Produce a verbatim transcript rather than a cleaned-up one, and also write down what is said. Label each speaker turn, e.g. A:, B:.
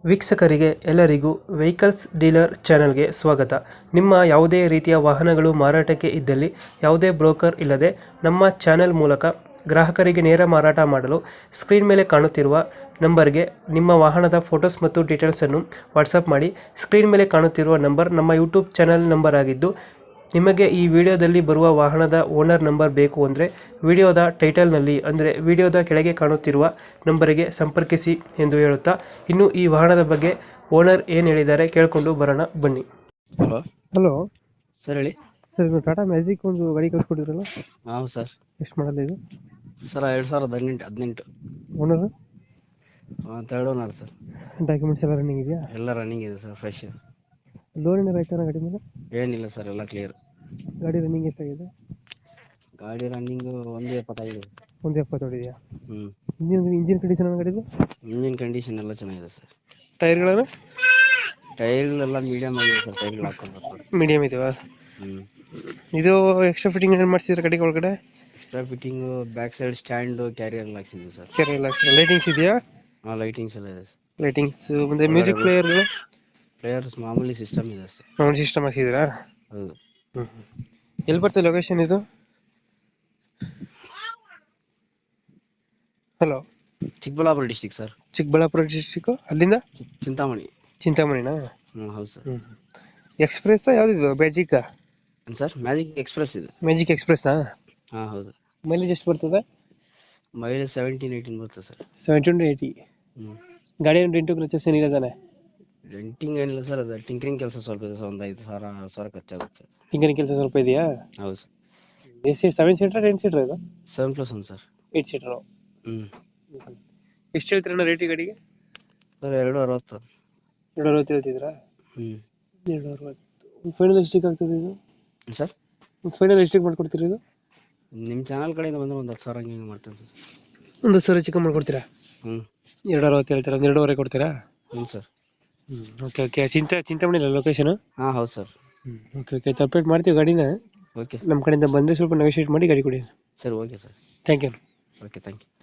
A: ವೀಕ್ಷಕರಿಗೆ ಎಲ್ಲರಿಗೂ vehicles dealer ಚಾನೆಲ್ಗೆ ಸ್ವಾಗತ. ನಿಮ್ಮ ಯಾವುದೇ ರೀತಿಯ ವಾಹನಗಳು ಮಾರಾಟಕ್ಕೆ ಇದ್ದಲ್ಲಿ ಯಾವುದೇ ಬ್ರೋಕರ್ ಇಲ್ಲದೆ ನಮ್ಮ ಚಾನೆಲ್ ಮೂಲಕ ಗ್ರಾಹಕರಿಗೆ ನೇರ ಮಾರಾಟ ಮಾಡಲು ಸ್ಕ್ರೀನ್ ಮೇಲೆ ಕಾಣುತ್ತಿರುವ ನಂಬರ್ಗೆ ನಿಮ್ಮ ವಾಹನದ ಫೋಟೋಸ್ ಮತ್ತು ಡೀಟೇಲ್ಸನ್ನು ವಾಟ್ಸಪ್ ಮಾಡಿ. ಸ್ಕ್ರೀನ್ ಮೇಲೆ ಕಾಣುತ್ತಿರುವ ನಂಬರ್ ನಮ್ಮ ಯೂಟ್ಯೂಬ್ ಚಾನೆಲ್ ನಂಬರ್ ಆಗಿದ್ದು, ನಿಮಗೆ ಈ ವಿಡಿಯೋದಲ್ಲಿ ಬರುವ ವಾಹನದ ಓನರ್ ನಂಬರ್ ಬೇಕು ಅಂದರೆ ವಿಡಿಯೋದ ಟೈಟಲ್ನಲ್ಲಿ ಅಂದರೆ ವಿಡಿಯೋದ ಕೆಳಗೆ ಕಾಣುತ್ತಿರುವ ನಂಬರಿಗೆ ಸಂಪರ್ಕಿಸಿ ಎಂದು ಹೇಳುತ್ತಾ, ಇನ್ನು ಈ ವಾಹನದ ಬಗ್ಗೆ ಓನರ್ ಏನು ಹೇಳಿದ್ದಾರೆ ಕೇಳಿಕೊಂಡು ಬರೋಣ ಬನ್ನಿ.
B: ಹಲೋ
A: ಹಲೋ
B: ಸರ್, ಹೇಳಿ
A: ಸರ್, ಇದು ಟಾಟಾ ಮ್ಯಾಜಿಕ್ ಒಂದು ಗಾಡಿ ಕಳಿಸ್ಕೊಟ್ಟಿದ್ರಲ್ಲ,
B: ಹಾಂ ಸರ್.
A: ಎಷ್ಟು ಮಾಡಲ್ಲ ಇದು?
B: ಸರ್ ಎರಡು ಸಾವಿರದ ಹದಿನೆಂಟು ಹದಿನೆಂಟು
A: owner
B: third owner sir.
A: Documents ಎಲ್ಲ ರನ್ನಿಂಗ್ ಇದೆಯಾ?
B: ಎಲ್ಲ ರನ್ನಿಂಗ್ ಇದೆ ಸರ್, ಫ್ರೆಶ್ ಇದೆ.
A: ಲೋನ್ ಏನಾರು ಆಯ್ತಾನ ಗಾಡಿ ಮೇಲೆ?
B: ಏನಿಲ್ಲ ಸರ್, ಎಲ್ಲ ಕ್ಲಿಯರ್.
A: ಗಾಡಿ ರನ್ನಿಂಗ್ ಎಷ್ಟಾಗಿದೆ?
B: ಗಾಡಿ ರನ್ನಿಂಗು ಒಂದು ಎಪ್ಪತ್ತೈದು.
A: ಒಂದು ಎಪ್ಪತ್ತೊಡಿದೆಯಾ?
B: ಹ್ಞೂ.
A: ಇಂಜಿನ್ ಇಂಜಿನ್ ಕಂಡೀಷನ್ ಗಾಡಿದು?
B: ಇಂಜಿನ್ ಕಂಡೀಷನ್ ಎಲ್ಲ ಚೆನ್ನಾಗಿದೆ ಸರ್.
A: ಟೈರ್ಗಳನ್ನು?
B: ಟೈರ್ಗಳೆಲ್ಲ ಮೀಡಿಯಮ್ ಆಗಿದೆ ಸರ್, ಟೈರ್ಗಳು ಹಾಕೊಂಡು ಸರ್.
A: ಮೀಡಿಯಮ್ ಇದೆಯಾ?
B: ಹ್ಞೂ.
A: ಇದು ಎಕ್ಸ್ಟ್ರಾ ಫಿಟ್ಟಿಂಗ್ ಏನು ಮಾಡ್ಸಿದ್ರೆ ಗಾಡಿ ಒಳಗಡೆ?
B: Extra fitting back side stand carrier ಎಲ್ಲ ಹಾಕ್ಸಿದ್ವಿ ಸರ್.
A: ಕೆರೆ ಎಲ್ಲ ಲೈಟಿಂಗ್ಸ್ ಇದೆಯಾ?
B: ಹಾಂ, ಲೈಟಿಂಗ್ಸ್ ಎಲ್ಲ ಇದೆ ಸರ್.
A: ಲೈಟಿಂಗ್ಸ್ ಮುಂದೆ ಮ್ಯೂಸಿಕ್ ಪ್ಲೇಯರ್
B: ಪ್ಲೇಯರ್ಸ್ ಮಾಮೂಲಿ ಸಿಸ್ಟಮ್ ಇದೆ ಸರ್.
A: ಸೌಂಡ್ ಸಿಸ್ಟಮ್ ಹಾಕಿದ್ದೀರಾ?
B: ಹೌದು.
A: ಹ್ಞೂ. ಎಲ್ಲಿ ಬರ್ತದೆ ಲೊಕೇಶನ್ ಇದು? Hello,
B: Chikkaballapura district sir.
A: Chikkaballapura district. ಅಲ್ಲಿಂದ
B: ಚಿಂತಾಮಣಿ.
A: ಚಿಂತಾಮಣಿನಾ?
B: ಹ್ಞೂ ಹೌದು ಸರ್.
A: ಹ್ಞೂ. ಎಕ್ಸ್ಪ್ರೆಸ್ ಯಾವ್ದಿದು? ಮ್ಯಾಜಿಕ್
B: ಸರ್, ಮ್ಯಾಜಿಕ್ ಎಕ್ಸ್ಪ್ರೆಸ್ ಇದೆ.
A: ಮ್ಯಾಜಿಕ್ ಎಕ್ಸ್ಪ್ರೆಸ್ಸಾ?
B: ಹಾಂ ಹೌದು.
A: ಮೈಲೇಜ್ ಎಷ್ಟು ಬರ್ತದೆ?
B: ಮೈಲೇಜ್ ಸೆವೆಂಟೀನ್ ಏಯ್ಟೀನ್ ಬರ್ತದೆ ಸರ್.
A: Seventeen eighty.
B: ಹ್ಞೂ.
A: ಗಾಡಿ ಏನು ಡೆಂಟು ಕ್ರಚಸ್ ಏನಿಲ್ಲ ತಾನೆ?
B: ಡೆಂಟಿಂಗ್ ಏನಿಲ್ಲ ಸರ್, ಅದು ಟಿಂಕರಿಂಗ್ ಕೆಲಸ ಸ್ವಲ್ಪ ಇದೆ ಸರ್. ಒಂದು ಐದು ಸಾವಿರ ಆರು ಸಾವಿರ ಖರ್ಚಾಗುತ್ತೆ.
A: ಟಿಂಕರಿಂಗ್ ಕೆಲಸ ಸ್ವಲ್ಪ ಇದೆಯಾ?
B: ಹೌದು ಸರ್.
A: ಎಷ್ಟು ಸೆವೆನ್ ಸೀಟರ್ ಟೆನ್ ಸೀಟರ್ ಇದು?
B: Seven plus one sir.
A: Eight seater.
B: ಹ್ಞೂ.
A: ಎಷ್ಟು ಹೇಳ್ತೀರಣ್ಣ ರೇಟ್ ಈ ಗಾಡಿಗೆ?
B: ಸರ್ ಎರಡು ಅರವತ್ತು.
A: ಎರಡು ಅರವತ್ತು ಹೇಳ್ತಿದ್ರಾ?
B: ಹ್ಞೂ.
A: ಎರಡು ಅರವತ್ತು ಫೈನಲ್ ಎಷ್ಟಿಗೆ ಆಗ್ತದೆ ಇದು
B: ಸರ್?
A: ಫೈನಲ್ ಎಷ್ಟಿಗೆ ಮಾಡ್ಕೊಡ್ತೀರಿ ಇದು?
B: ನಿಮ್ಮ ಚಾನಲ್ ಕಡೆಯಿಂದ ಬಂದರೆ ಒಂದು ಹತ್ತು ಸಾವಿರ ಹಂಗೆ ಹಿಂಗೆ ಮಾಡ್ತೇನೆ ಸರ್.
A: ಒಂದು ಹತ್ತು ಸಾವಿರ ಚಿಕನ್ ಮಾಡ್ಕೊಡ್ತೀರಾ?
B: ಹ್ಞೂ.
A: ಎರಡು ಅರವತ್ತು ಹೇಳ್ತೀರಾ, ಒಂದು ಎರಡೂವರೆ ಕೊಡ್ತೀರಾ?
B: ಹ್ಞೂ ಸರ್.
A: ಹ್ಞೂ. Okay okay. ಚಿಂತ ಚಿಂತಾಮಣಿ ಇಲ್ಲ ಲೊಕೇಶನ್?
B: ಹಾಂ ಹೌದು ಸರ್.
A: ಹ್ಞೂ. Okay okay. ಅಪ್ಡೇಟ್ ಮಾಡ್ತೀವಿ ಗಾಡಿನ.
B: ಓಕೆ.
A: ನಮ್ಮ ಕಡೆಯಿಂದ ಬಂದರೆ ಸ್ವಲ್ಪ ನೆಗೋಷಿಯೇಟ್ ಮಾಡಿ ಗಾಡಿ ಕೊಡಿ.
B: Sir okay sir.
A: Thank you.
B: Okay, thank you.